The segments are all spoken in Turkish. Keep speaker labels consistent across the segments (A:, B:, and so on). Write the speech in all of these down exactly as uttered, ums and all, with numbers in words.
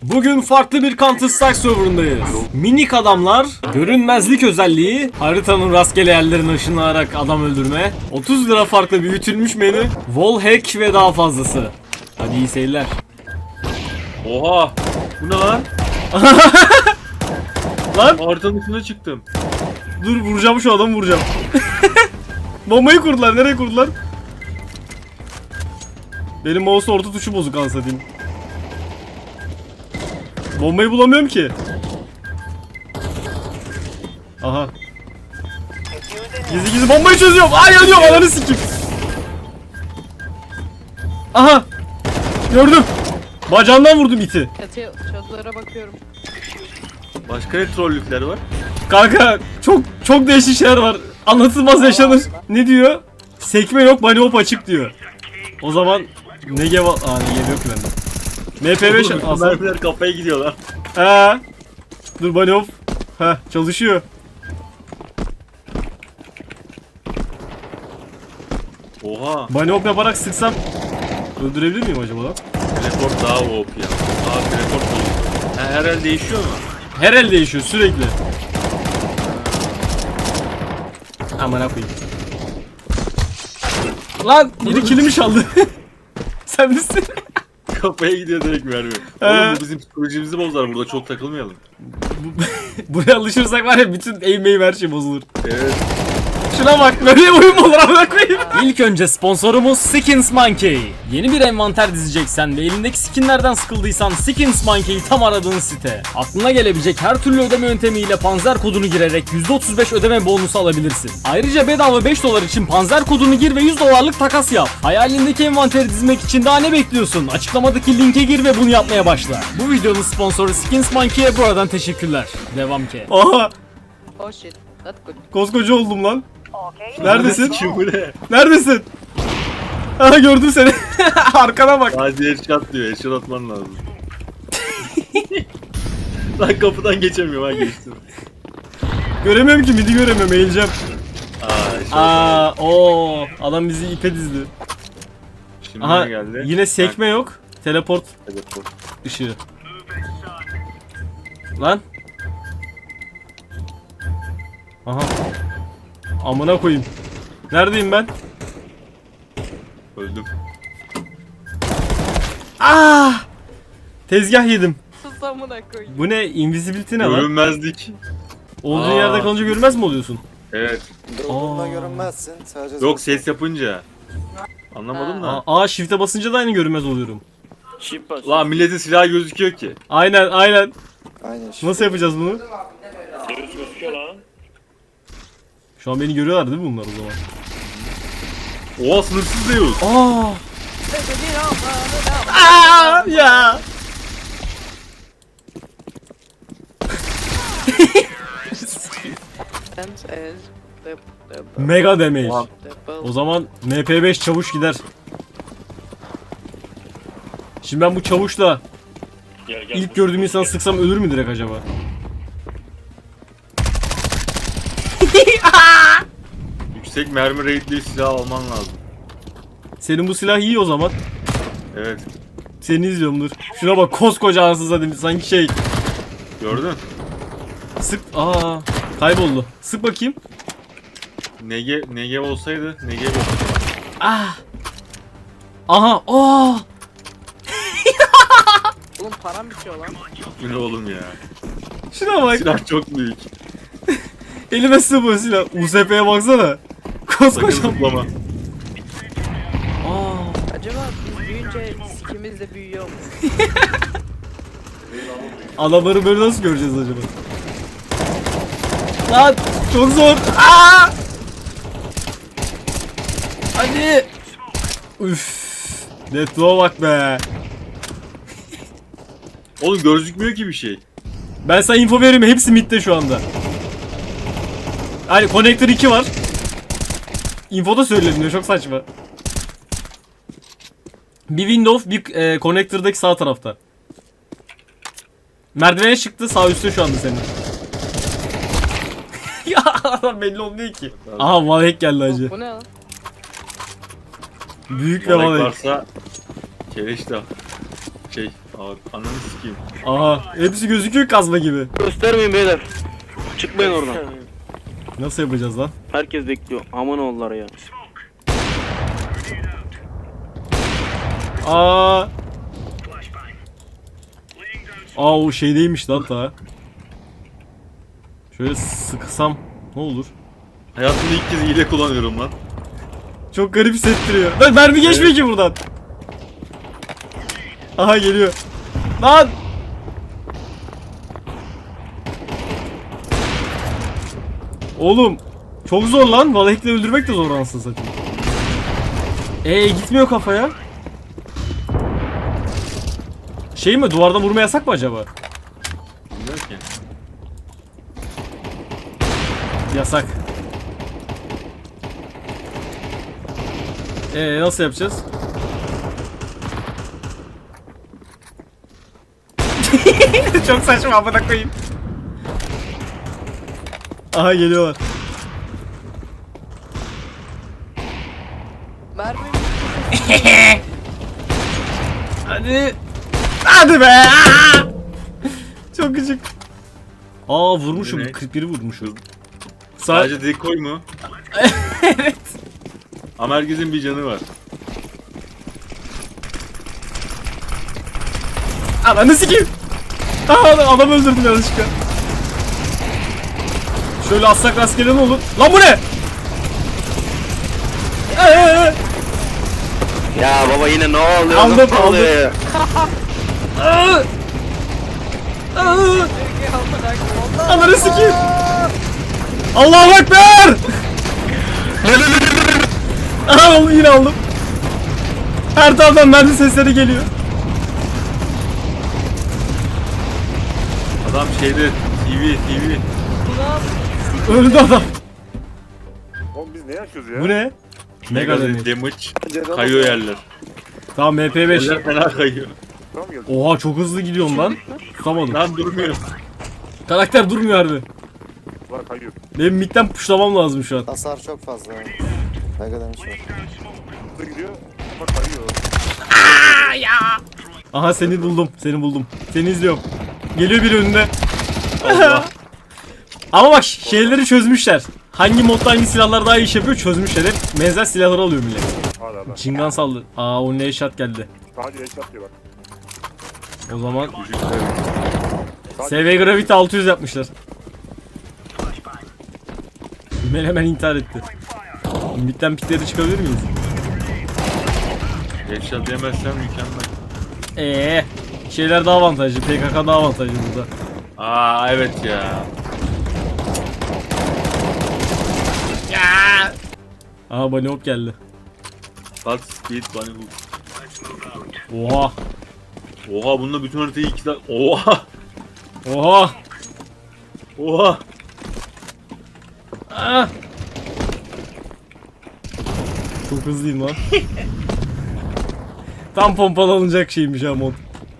A: Bugün farklı bir Counter Strike serverındayız. Minik adamlar, görünmezlik özelliği, haritanın rastgele yerlerine ışınlanarak adam öldürme, otuz lira farklı büyütülmüş menü, wall hack ve daha fazlası. Hadi iyi seyirler.
B: Oha! Bu ne lan?
A: Lan
B: Haritanın üstüne çıktım.
A: dur, vuracağım şu adamı, vuracağım. Bombayı kurdular, nereye kurdular? Benim mouse orta tuşu bozuk anasını satayım. Bombayı bulamıyorum ki. Aha. Gizli gizli bombayı çözüyorum. Ay yanıyorum, ananı sikim. Aha. Gördüm. Bacağından vurdum iti.
C: Çatıya, çatılara bakıyorum.
B: Başka ne trollükler var?
A: Kanka çok çok değişik şeyler var. Anlatılmaz yaşanır. Ne diyor? Sekme yok, bunny hop açık diyor. O zaman ne geva... Aa ne geva yok ki bende. M P beş
B: Oğlum,
A: alsam.
B: mermiler kafaya gidiyorlar.
A: He. Dur bunny hop. Heh, çalışıyor.
B: Oha!
A: Bunny hop yaparak sıksam öldürebilir miyim acaba lan?
B: Teleport daha O P ya. Aa teleport oluyor. Ha, her el değişiyor mu?
A: Her el değişiyor sürekli. Aman koyayım. Lan biri kilimi çaldı. Sen misin?
B: Kafaya gidiyor direkt mermi.
A: He.
B: Oğlum bu bizim psikolojimizi bozar, burada çok takılmayalım.
A: Buraya alışırsak var ya, bütün aim aim her şey bozulur.
B: Evet.
A: Şuna bak, böyle oyun mu olur amına koyayım? İlk önce sponsorumuz Skins Monkey. Yeni bir envanter dizeceksen ve elindeki skinlerden sıkıldıysan Skins Monkey tam aradığın site. Aklına gelebilecek her türlü ödeme yöntemiyle Panzer kodunu girerek yüzde otuz beş ödeme bonusu alabilirsin. Ayrıca bedava beş dolar için Panzer kodunu gir ve yüz dolarlık takas yap. Hayalindeki envanteri dizmek için daha ne bekliyorsun? Açıklamadaki linke gir ve bunu yapmaya başla. Bu videonun sponsoru Skins Monkey'e buradan teşekkürler. Devam ki. Aha,
C: Oh shit. That's good.
A: koskoca oldum lan. Neredesin?
B: Kim bu ne?
A: Neredesin? Aha, gördüm seni. Arkana bak.
B: Hadi headshot diyor, headshot atman lazım. Lan kapıdan geçemiyorum, ha geçtim.
A: Göremiyorum ki, midi göremiyorum, eğileceğim.
B: Aa, headshot
A: Aa, o adam bizi ipe dizdi.
B: Şimdi
A: Aha,
B: ne geldi?
A: yine sekme yok. Teleport
B: Ha, teleport.
A: ışığı. Lan. Aha. Amına koyayım. Neredeyim ben?
B: Öldüm.
A: Ah! Tezgah yedim.
C: Sus amına koyayım.
A: Bu ne? Invisibility ne lan?
B: Görünmezlik.
A: Olduğun
B: Aa.
A: yerde kalınca görmez mi oluyorsun?
B: Evet.
A: Aa.
D: Durduğunda görünmezsin. Sadece
B: Yok, ses yapınca. Anlamadım da.
A: Aa, aa, shift'e basınca da aynı görünmez oluyorum.
B: Lan milletin silahı gözüküyor ki.
A: Aynen aynen.
D: Aynen işte.
A: Nasıl yapacağız bunu? Şu an beni görüyorlar değil mi bunlar o zaman?
B: Oha, sınırsız Zeus.
A: Aa! Aa ya!
C: Sense as the the
A: Mega damage.
B: Oha.
C: the
A: O zaman M P beş çavuş gider. Şimdi ben bu çavuşla ilk gördüğüm insanı sıksam ölür mü direkt acaba?
B: Yüksek mermi rate'li silah alman lazım.
A: Senin bu silah iyi o zaman.
B: Evet.
A: Seni izliyorum, dur. Şuna bak, koskoca ansız zaten sanki şey.
B: Gördün?
A: Sık. Aa, kayboldu. Sık bakayım.
B: Nege, Negev olsaydı, Negev olsaydı.
A: Ah. Aha. Oh.
C: Oğlum param bitiyor lan.
B: Bu ne oğlum ya?
A: Şuna bak.
B: Silah çok büyük.
A: Elime sığmıyor silah. U S P'ye baksana.
B: Sakın
A: Koskoca.
B: zıplama.
A: Aa.
C: Acaba biz büyüyünce sikimiz de büyüyor mu?
A: Adamları böyle nasıl göreceğiz acaba? Lan çok zor. Aa! Hadi. Üf. Netlo'a bak be.
B: Oğlum gözükmüyor ki bir şey.
A: Ben sana info vereyim, hepsi midde şu anda. Hani Connector iki var. Info da söyleniyor, çok saçma. Bir window, bir e, Connector'daki sağ tarafta. Merdivene çıktı, sağ üstte şu anda senin. Ya adam belli olmuyor ki. Aha, wallhack geldi hacı.
C: Bu ne lan?
A: Büyük ve
B: Olay
A: wallhack.
B: varsa Keleş de şey Abi ananı sikeyim.
A: Aha hepsi gözüküyor kazma gibi.
E: Göstermeyin beyler. Çıkmayın oradan.
A: Nasıl yapacağız lan?
E: Herkes bekliyor. Aman oğullar ya.
A: Aa. Aa o şeydeymiş lan ta. Şöyle sıksam ne olur?
B: Hayatımda ilk kez hile kullanıyorum lan.
A: Çok garip hissettiriyor. Lan mermi geçmiyor ki buradan. Aha geliyor. Lan. Oğlum çok zor lan. Valahek'le öldürmek de zor anasını satayım. Ee gitmiyor kafaya. Şey mi, duvardan vurma yasak mı acaba?
B: Bilmiyorum ki.
A: Yasak. Ee nasıl yapacağız? Çok saçma amına koyayım. Aha geliyorlar.
C: Mermi
A: Hadi. Hadi be. Aa! Çok küçük. Aa vurmuşum.
B: Ne?
A: kırk biri vurmuşum. Sa
B: Sadece dekoy mu?
A: evet.
B: Ama herkesin bir canı var.
A: Ananı sikeyim. Aa adam öldürdüm yanlışlıkla. Şöyle atsak rastgele ne olur? Lan bu ne? Ee,
E: Ya baba yine ne oluyor?
A: Aldım,
E: Nasıl
A: aldım.
E: oluyor ya?
A: aa, aa,
C: Peki amına koyayım.
A: Ananı sikeyim. Allahu Ekber. Aha yine aldım. Her taraftan mermi sesleri geliyor.
B: Adam şeyde T V T V.
C: Ulan
A: Öldü adam.
F: Oğlum biz ne yaşıyoruz ya?
A: Bu ne? Mega damage.
B: damage.
D: Pencereden
B: Kayıyor
D: bak-
B: yerler.
A: Tamam M P beş.
B: Yerler fena kayıyor.
F: Tamam geldi.
A: Oha çok hızlı gidiyorum lan. Tutamadım.
B: Lan durmuyor.
A: Karakter durmuyor harbi.
F: Var kayıyor.
A: Benim midden puşlamam lazım şu an.
D: Hasar çok fazla. Mega demiş var.
F: Hızlı gidiyor ama kayıyor.
A: Aha seni buldum. Seni buldum. Seni izliyorum. Geliyor biri önünde.
B: Allah.
A: Ama bak şeyleri çözmüşler. Hangi modda hangi silahlar daha iyi iş yapıyor çözmüşler. Hep benzer silahları alıyor millet.
F: Hala hala.
A: Çingan saldı. Aa o ne shot geldi.
F: Sadece headshot diyor bak.
A: O zaman
B: Çocuklar.
A: S V Gravity altı yüz yapmışlar. Hemen hemen intihar etti. Midden pikleri çıkabilir miyiz?
B: Headshot yemezsem mükemmel.
A: Eee şeyler daha avantajlı. P K K daha avantajlı burada.
B: Aa evet ya.
A: Aha bunny hop geldi.
B: Bak speed bunny hook.
A: Oha.
B: Oha bununla bütün haritayı iki dakika. Oha.
A: Oha.
B: Oha.
A: Ah. Çok hızlıyım lan. Tam pompalanacak şeymiş ha mod.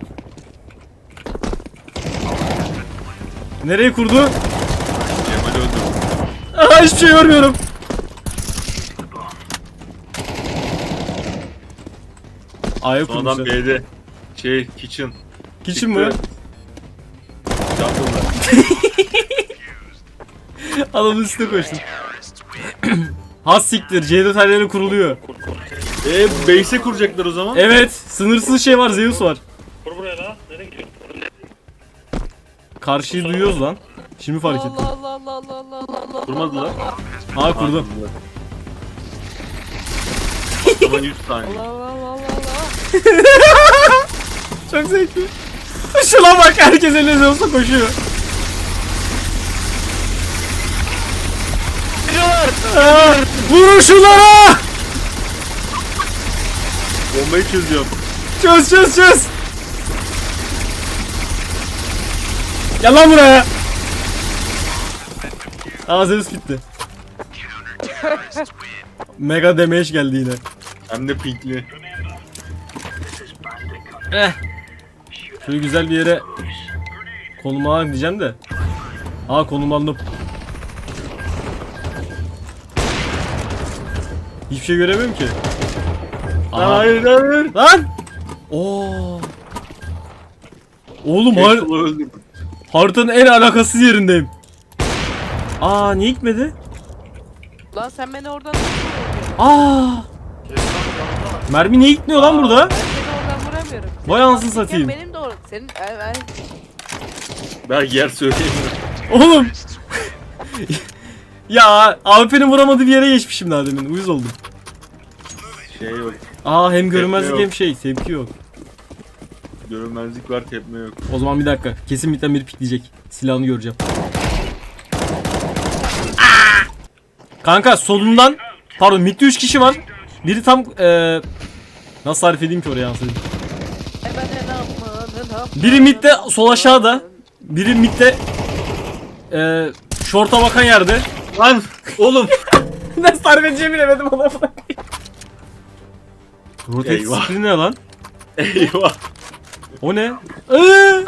A: Nereye kurdu?
B: Cemal öldü.
A: Aha hiçbir şey görmüyorum. A'ya
B: Son adam
A: kurmuşlar.
B: B'de. Şey kitchen.
A: Kitchen mı?
B: Jungle'da.
A: Adamın üstüne koştum. Has siktir. C detayları kuruluyor.
B: Eee base'e kuracaklar o zaman.
A: Evet. Sınırsız şey var. Zeus var.
E: Kur buraya la. Nereye gidiyorsun?
A: Karşıyı duyuyoruz lan. Şimdi fark ettim.
C: Allah Allah Allah Allah Allah Allah Allah.
B: Kurmadılar.
A: Aa kurdum.
B: Patlama yüz saniye.
C: Allah Allah Allah Allah.
A: Çok zevkli. Şuna bak herkes eline Zeus'la koşuyor. Aa, vurun şunlara!
B: Bombayı çözüyorum.
A: Çöz çöz çöz! Gel lan buraya! Aa Zeus bitti. Mega damage geldi yine.
B: Hem de pinkli.
A: Eh. Şöyle güzel bir yere konuma diyeceğim de. Aa konumlandım. Hiçbir şey göremiyorum ki. Aha.
B: Hayır hayır.
A: Lan! Oo. Oğlum har
B: Casual'ı öldürdüm.
A: haritanın en alakasız yerindeyim. Aa niye gitmedi?
C: Lan sen beni oradan nasıl vuruyorsun?
A: Aa! Mermi niye gitmiyor lan burada?
C: Ben seni oradan vuramıyorum.
A: Vay anasını satayım.
C: Benim de or senin ay, ay.
B: Ben yer söyleyeyim.
A: Oğlum. Ya A W P'nin vuramadığı bir yere geçmişim daha demin. Uyuz oldum.
B: Şey yok.
A: Aa hem görünmezlik
B: yok.
A: hem şey. Tepki yok.
B: Görünmezlik var, tepme yok.
A: O zaman bir dakika. Kesin bitten biri pikleyecek. Silahını göreceğim. Aa! Kanka solundan pardon midde üç kişi var. Biri tam eee nasıl tarif edeyim ki oraya ansayım.
C: E ben de ne yapmanın, ne yapmanın,
A: Biri midde sol aşağıda. Biri midde eee şorta bakan yerde.
B: Lan oğlum.
A: Nasıl tarif edeceğimi bilemedim adamı. Rotate
B: Eyvah.
A: screen ne lan?
B: Eyvah.
A: O ne? Iıı!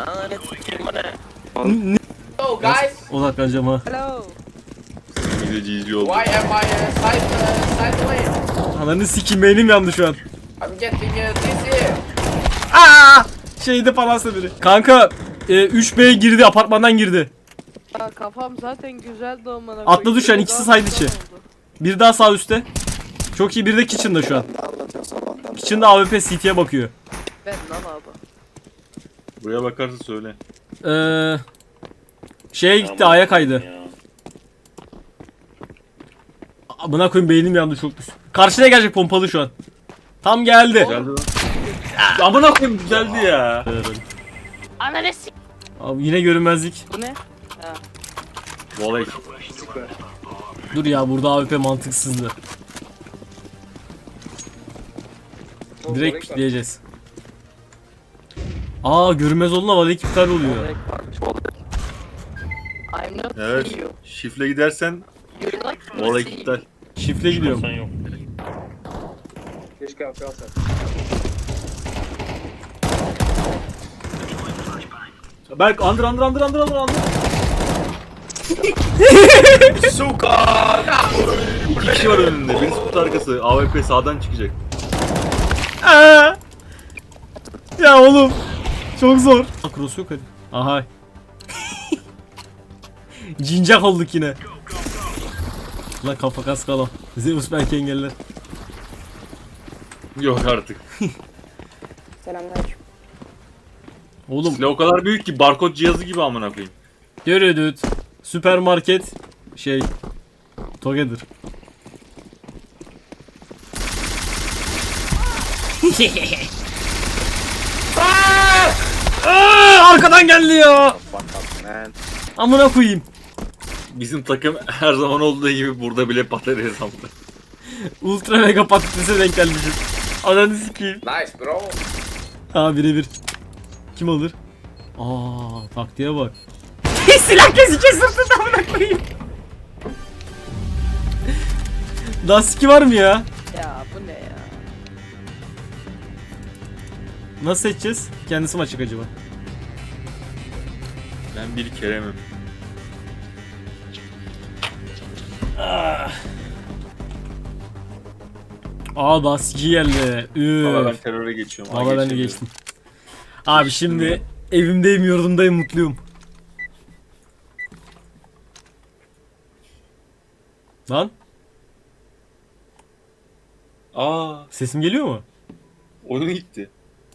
G: So guys,
A: Odaklanacağım ha.
C: Hello.
B: Gideci izliyor oldu.
G: why am I uh, side uh, sideways?
A: Ananı sikeyim beynim yandı şu an.
G: I'm getting uh, dizzy.
A: Aa! Şeyde falansa biri. Kanka e, üç B girdi, apartmandan girdi.
C: Ya kafam zaten güzeldi amına
A: Atladı
C: koyayım.
A: şu an,
C: Biri
A: ikisi
C: daha
A: side içi.
C: güzel oldu.
A: Bir daha sağ üstte. Çok iyi, bir de kitchen'da şu an.
D: Ne anlatıyor sabahtan?
A: Kitchen'da A W P C T'ye bakıyor.
C: Ben lan abi.
B: Buraya bakarsa söyle.
A: Eee şeye gitti, A'ya kaydı. Buna koyayım beynim yandı çok düz. Karşıya gelecek pompalı şu an. Tam geldi.
B: Geldi lan. Amına koyayım güzeldi ya.
C: Ananı s**.
A: Abi yine görünmezlik.
C: Bu ne?
B: Voley.
A: Dur ya, burada A W P mantıksızdı. Direkt pikleyeceğiz. Aa görünmez olduğunda vali iptal oluyor.
C: I'm not
B: Evet.
C: see you.
B: Şifle gidersen
C: You like
B: voley iptal.
A: Şifle gidiyorum.
E: Sen yok.
G: Keşke yapıyorsan.
B: Berk andır andır andır andır andır andır. Suka. İki kişi var önünde. Birisi kutu arkası. A W P sağdan çıkacak.
A: Aa! Ya oğlum çok zor. Cross yok hadi. Aha. Cincak olduk yine. La kafa kas kalam. Zeus belki engeller.
B: Yok artık.
A: Oğlum
B: Silah o kadar büyük ki barkod cihazı gibi amına koyayım.
A: görüdüt. Süpermarket şey. Together. Aa, arkadan geldi ya. Amına koyayım.
B: Bizim takım her zaman olduğu gibi burada bile patates hesaplı.
A: Ultra mega patatese denk gelmişim. Ananı sikeyim.
G: Nice bro.
A: Ha birebir. Kim alır? Aa taktiğe bak. Silah kesici sırtında amına koyayım. Daha siki var mı ya?
C: Ya bu ne ya?
A: Nasıl seçeceğiz? Kendisi mi açık acaba?
B: Ben bir Kerem'im.
A: Aa daha siki geldi.
B: Valla ben
A: Üf.
B: teröre geçiyorum.
A: Valla ben de geçtim. Abi şimdi evimdeyim, yurdumdayım, mutluyum. Lan
B: Aa,
A: sesim geliyor mu?
B: oyun gitti.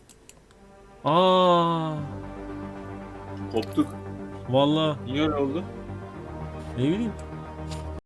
A: Aa
B: Koptuk.
A: vallahi
B: Niye öyle oldu?
A: ne bileyim.